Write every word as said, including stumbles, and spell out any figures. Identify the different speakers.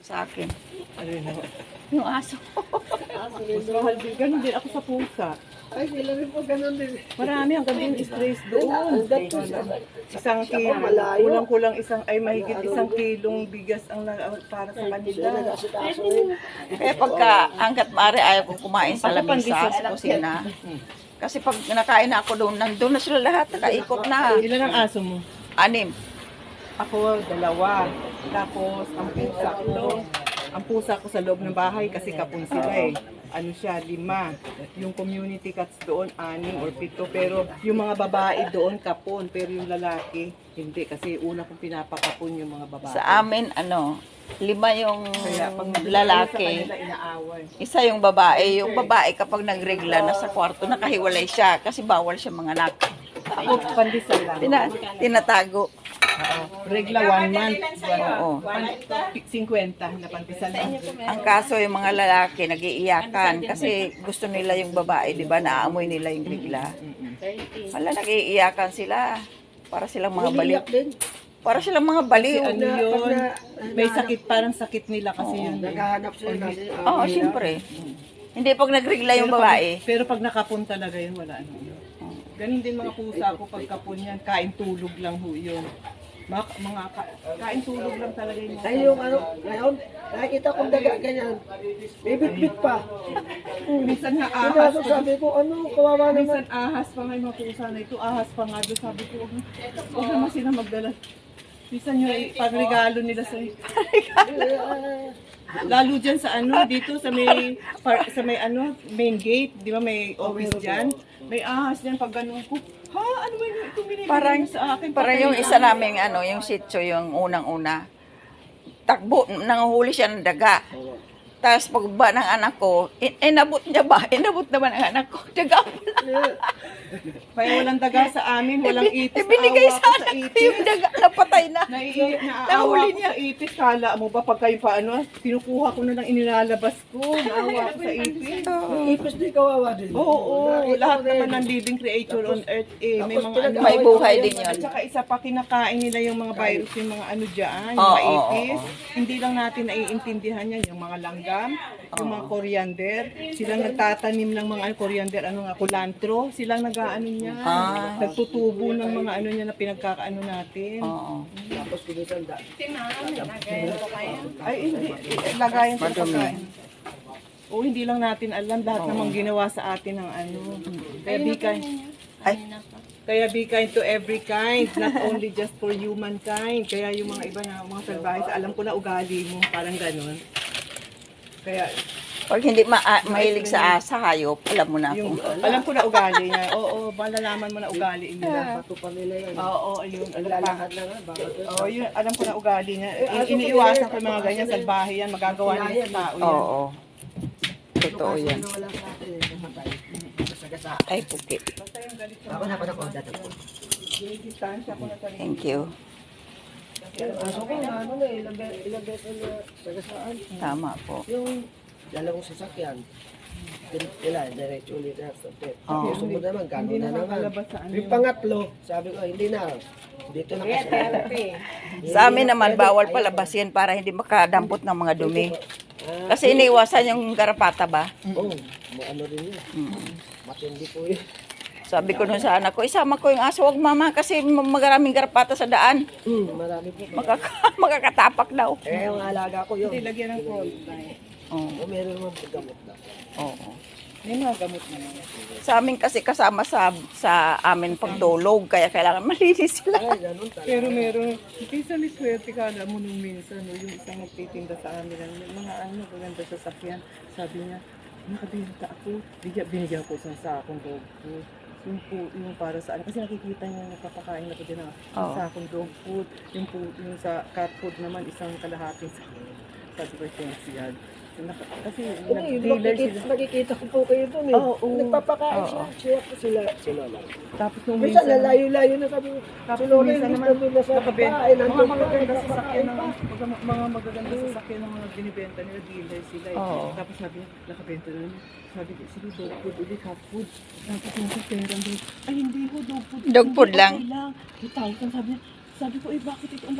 Speaker 1: sa akin.
Speaker 2: Ano yun naman?
Speaker 1: Yung aso.
Speaker 2: Mas mahal din. Ganun din ako sa pusa.
Speaker 3: Ay, sila rin po ganun din.
Speaker 2: Marami hanggang din stress doon. Isang kilo,
Speaker 3: malayo.
Speaker 2: kulang-kulang isang, ay mahigit isang kilong bigas ang na- ang para sa kanila.
Speaker 1: Kaya pagka hanggat maaari ayaw kong kumain sa
Speaker 2: Ako
Speaker 1: lamesa
Speaker 2: pandesal.
Speaker 1: sa kusina. Kasi pag nakain na ako doon, nandun na sila lahat, nakaikot na.
Speaker 2: Ilan ang aso mo?
Speaker 1: Anim.
Speaker 2: Ako, dalawa. Tapos, ang pusa ko, ang pusa ko sa loob ng bahay kasi kapon sila eh. Ano siya, lima. Yung community cats doon, anim or pito. Pero yung mga babae doon, kapon. Pero yung lalaki, hindi. Kasi una kong pinapakapon yung mga babae.
Speaker 1: Sa amin, ano, lima yung
Speaker 2: Kaya pag
Speaker 1: lalaki,
Speaker 2: sa kanila, inaaway.
Speaker 1: isa yung babae. Yung babae kapag nagregla na sa kwarto, nakahiwalay siya kasi bawal siya mga anak.
Speaker 2: Ako, pandesal lang.
Speaker 1: Tina, tinatago.
Speaker 2: Regla one month.
Speaker 1: Oo.
Speaker 2: cinquenta na pandesal lang.
Speaker 1: Ang kaso yung mga lalaki nagiiyakan kasi gusto nila yung babae, di ba? Naaamoy nila yung regla. Wala, nagiiyakan sila. Para silang mga baliw.
Speaker 3: Umiyak din.
Speaker 1: Para silang mga baliw.
Speaker 2: Ano yun? May sakit, parang sakit nila kasi yun. eh.
Speaker 3: Naghahanap sila kasi.
Speaker 1: Oo, siyempre. Hindi pag nagregla yung
Speaker 2: Pero pag-
Speaker 1: babae.
Speaker 2: Pero pag nakapon talaga yun, wala ano yun. Ganun din mga pusa ko pag kapon yan, kain tulog lang ho yun. Mga, mga ka- kain tulog lang talaga yun.
Speaker 3: Ay, yung ano, ngayon, nakikita kong daga ganyan. May bitbit pa.
Speaker 2: Minsan nga ahas.
Speaker 3: Kinaso sabi ko, ano, kawawa naman.
Speaker 2: Minsan ahas pa nga yung mga pusa na ito, ahas pa nga doon. Sabi ko, huwag na- huwag naman sila magdala. Minsan yung pagregalo nila sa lalo dyan sa ano, dito sa may, par, sa may ano, main gate, di ba may office dyan? May ahas dyan pag ganun ko. Ha? Ano ba yung ito binibigay
Speaker 1: Parang,
Speaker 2: mo sa akin?
Speaker 1: parang yung isa naming ano, yung sitio, yung unang-una. Takbo, nanguhuli siya ng daga. Tapos pagba ng anak ko, in- inabot niya ba? Inabot naman ang anak ko. Daga pala.
Speaker 2: Kaya walang daga sa amin, walang ipis.
Speaker 1: Ibinigay
Speaker 2: Naawa
Speaker 1: sa
Speaker 2: ako
Speaker 1: anak ko yung daga, napatay na.
Speaker 2: Naiiyak na aawa
Speaker 1: Nahuli
Speaker 2: ako
Speaker 1: niya.
Speaker 2: sa ipis. Kala mo ba pag kayo paano, kinukuha ko na lang inilalabas ko. Naawa ako sa ipis.
Speaker 3: Yung ipis din kawawa din.
Speaker 2: Oo, oo.
Speaker 3: Nakita
Speaker 2: Lahat
Speaker 3: ko rin.
Speaker 2: naman ng living creature on earth eh. May
Speaker 3: Tapos
Speaker 2: mga ano.
Speaker 1: May buhay din yun.
Speaker 2: At saka isa pa, kinakain nila yung mga virus, yung mga ano dyan, yung
Speaker 1: Oo,
Speaker 2: mga
Speaker 1: oo,
Speaker 2: ipis.
Speaker 1: oo.
Speaker 2: Hindi lang natin naiintindihan yan, yung mga langgam, yung mga coriander. Silang nagtatanim ng mga ano, coriander, ano nga, kulantro. Silang nag-aano niya.
Speaker 1: Ah.
Speaker 2: Nagtutubo ng mga ano niya na pinagkakaano natin.
Speaker 1: Oo.
Speaker 3: Tapos kinisanda.
Speaker 2: Ay, hindi. Eh, Lagayan sa pagkain. O, hindi lang natin alam. Lahat namang ginawa sa atin ng ano. Kaya be kind.
Speaker 1: Ay,
Speaker 2: Kaya be kind to every kind. Not only just for humankind. Kaya yung mga iba na mga salbahes, alam ko na ugali mo. Parang ganun. Kaya
Speaker 1: pag hindi ma ah, mahilig sa asa, hayop, alam mo na
Speaker 2: yung,
Speaker 1: kung
Speaker 2: alam ko na ugali niya. Oo, malalaman mo na ugali nila.
Speaker 3: Bato pa nila yan.
Speaker 2: Oo, ayun. Alam pa.
Speaker 3: Naglalakad na nga. Bakit?
Speaker 2: Oo, yun. Alam ko na ugali niya. I- iniiwasan ko yung mga ganyan. Salbahe yan. Magagawa nila sa tao yan.
Speaker 1: Oo. Totoo yan.
Speaker 3: Wala sa atin. Namatay. Kasagasa.
Speaker 1: Ay, puki.
Speaker 3: Ako na, ako na, ako na.
Speaker 2: Distansya ko na sa rin.
Speaker 1: Thank you.
Speaker 3: Aso ko na, ano na, ilang be- ilang beses na sagasaan.
Speaker 1: Tama po.
Speaker 3: Yung dalawang sasakyan. Din- Sila, diretso ulit na sa pet.
Speaker 1: Oo.
Speaker 3: Yung sumunod naman, gano'n
Speaker 2: Hindi
Speaker 3: na naman.
Speaker 2: nakakalabas sa ano.
Speaker 3: Yung pangatlo, sabi ko, hindi na. Dito na kasi.
Speaker 1: Sa amin naman, bawal palabas yan para hindi makadampot ng mga dumi. Kasi iniwasan yung garapata ba?
Speaker 3: Oo, mo- ano rin yun.
Speaker 1: Mm.
Speaker 3: Matindi po yun.
Speaker 1: Sabi ko nun sa anak ko, isama ko yung aso, wag mama, kasi maraming garapata sa daan.
Speaker 3: Hmm, marami po.
Speaker 1: Makaka makakatapak daw.
Speaker 3: Eh, yung alaga ko yun.
Speaker 2: Hindi, lagyan ng cold.
Speaker 1: Oo.
Speaker 3: O, meron naman po gamot na.
Speaker 1: Oo.
Speaker 2: May mga gamot naman.
Speaker 1: Sa amin kasi kasama sa sa amin pagtulog, kaya kailangan malinis sila.
Speaker 3: Ay, ganun talaga.
Speaker 2: Pero meron, minsan may swerte ka, alam mo nung minsan, no, yung isang nagtitinda sa amin, ng mga ano, maganda sa sakyan, sabi niya, nakabinta ako, bigyan, binigyan ko sa sakong dog food. Yung, po, yung para sa ano, kasi nakikita niya, nagpapakain ako din ng
Speaker 1: Oo.
Speaker 2: sakong dog food, yung, po, yung sa cat food naman, isang kalahating sakong. Sabi ko, thanks yan. Naka- Kasi
Speaker 3: Ano yun,
Speaker 2: nag-dealer
Speaker 3: nakikita,
Speaker 2: sila.
Speaker 3: nakikita ko po kayo dun eh.
Speaker 2: Oo, oo.
Speaker 3: Nagpapakain
Speaker 1: Oo.
Speaker 3: siya. Siya po sila. Sila lang.
Speaker 2: Tapos nung
Speaker 3: Minsan,
Speaker 2: minsan,
Speaker 3: lalayo-layo na kami.
Speaker 2: Tapos
Speaker 3: Si Lola,
Speaker 2: minsan
Speaker 3: hindi
Speaker 2: naman,
Speaker 3: nandun na sa
Speaker 2: nakabenta.
Speaker 3: bahay.
Speaker 2: Mga
Speaker 3: Nandun pa,
Speaker 2: magaganda sa
Speaker 3: nagpapakain
Speaker 2: sakyan ng,
Speaker 3: pa.
Speaker 2: mga, mga magaganda sa sakyan ng mga binibenta nila, dealer sila eh.
Speaker 1: Oo.
Speaker 2: Tapos sabi niya, nakabenta na naman. Sabi ko, sige, dog food ulit, cat food. Tapos yung sa pera doon, ay hindi ko, dog food.
Speaker 1: Dog food
Speaker 2: Hindi,
Speaker 1: lang.
Speaker 2: okay lang. two thousand, sabi niya, sabi ko, eh bakit ito ang